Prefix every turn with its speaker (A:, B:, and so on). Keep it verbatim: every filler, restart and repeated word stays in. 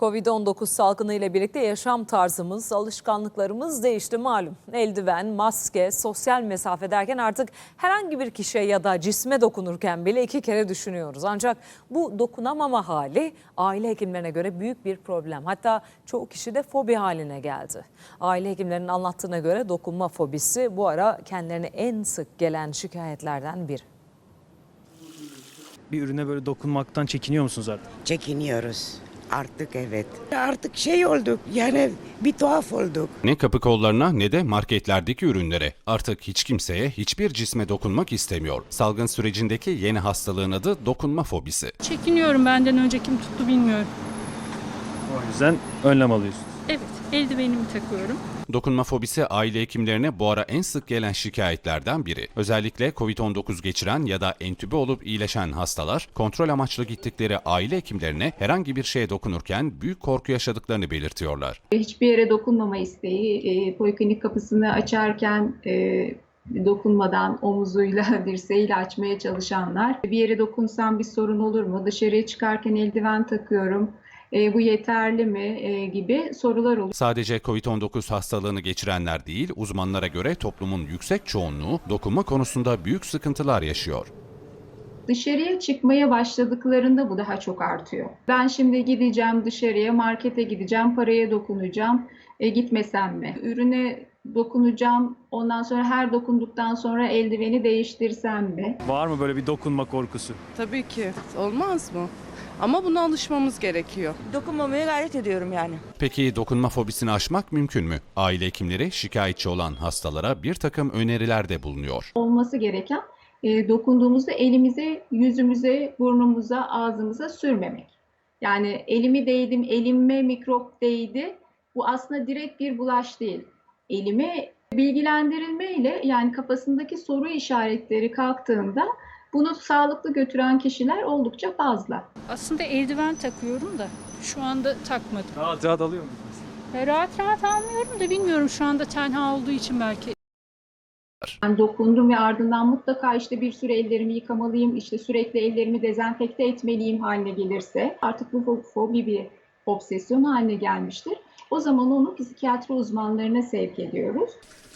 A: Covid on dokuz salgını ile birlikte yaşam tarzımız, alışkanlıklarımız değişti malum. Eldiven, maske, sosyal mesafe derken artık herhangi bir kişiye ya da cisme dokunurken bile iki kere düşünüyoruz. Ancak bu dokunamama hali aile hekimlerine göre büyük bir problem. Hatta çoğu kişi de fobi haline geldi. Aile hekimlerinin anlattığına göre dokunma fobisi bu ara kendilerine en sık gelen şikayetlerden biri.
B: Bir ürüne böyle dokunmaktan çekiniyor musunuz artık?
C: Çekiniyoruz. Artık evet. Artık şey olduk yani bir tuhaf olduk.
D: Ne kapı kollarına ne de marketlerdeki ürünlere. Artık hiç kimseye hiçbir cisme dokunmak istemiyor. Salgın sürecindeki yeni hastalığın adı dokunma fobisi.
E: Çekiniyorum, benden önce kim tuttu bilmiyorum.
B: O yüzden önlem alıyorsunuz.
E: Evet, eldivenimi takıyorum.
D: Dokunma fobisi aile hekimlerine bu ara en sık gelen şikayetlerden biri. Özellikle Covid on dokuz geçiren ya da entübe olup iyileşen hastalar kontrol amaçlı gittikleri aile hekimlerine herhangi bir şeye dokunurken büyük korku yaşadıklarını belirtiyorlar.
F: Hiçbir yere dokunmama isteği, e, poliklinik kapısını açarken e, dokunmadan omuzuyla, dirseğiyle açmaya çalışanlar. Bir yere dokunsam bir sorun olur mu? Dışarıya çıkarken eldiven takıyorum. E, bu yeterli mi? E, gibi sorular oluyor.
D: Sadece Covid on dokuz hastalığını geçirenler değil, uzmanlara göre toplumun yüksek çoğunluğu dokunma konusunda büyük sıkıntılar yaşıyor.
F: Dışarıya çıkmaya başladıklarında bu daha çok artıyor. Ben şimdi gideceğim dışarıya, markete gideceğim, paraya dokunacağım. E, gitmesem mi? Ürüne dokunacağım, ondan sonra her dokunduktan sonra eldiveni değiştirsem mi?
B: Var mı böyle bir dokunma korkusu?
G: Tabii ki. Olmaz mı? Ama buna alışmamız gerekiyor.
H: Dokunmamaya gayret ediyorum yani.
D: Peki dokunma fobisini aşmak mümkün mü? Aile hekimleri şikayetçi olan hastalara bir takım önerilerde bulunuyor.
F: Olması gereken e, dokunduğumuzda elimize, yüzümüze, burnumuza, ağzımıza sürmemek. Yani elimi değdim, elime mikrop değdi. Bu aslında direkt bir bulaş değil. Elime bilgilendirilmeyle, yani kafasındaki soru işaretleri kalktığında bunu sağlıklı götüren kişiler oldukça fazla.
E: Aslında eldiven takıyorum da şu anda takmadım.
B: Rahat rahat alıyor musunuz?
E: E, rahat rahat almıyorum da bilmiyorum, şu anda tenha olduğu için belki.
F: Ben dokundum ve ardından mutlaka işte bir süre ellerimi yıkamalıyım, işte sürekli ellerimi dezenfekte etmeliyim haline gelirse, artık bu fobi bir obsesyon haline gelmiştir. O zaman onu psikiyatri uzmanlarına sevk ediyoruz.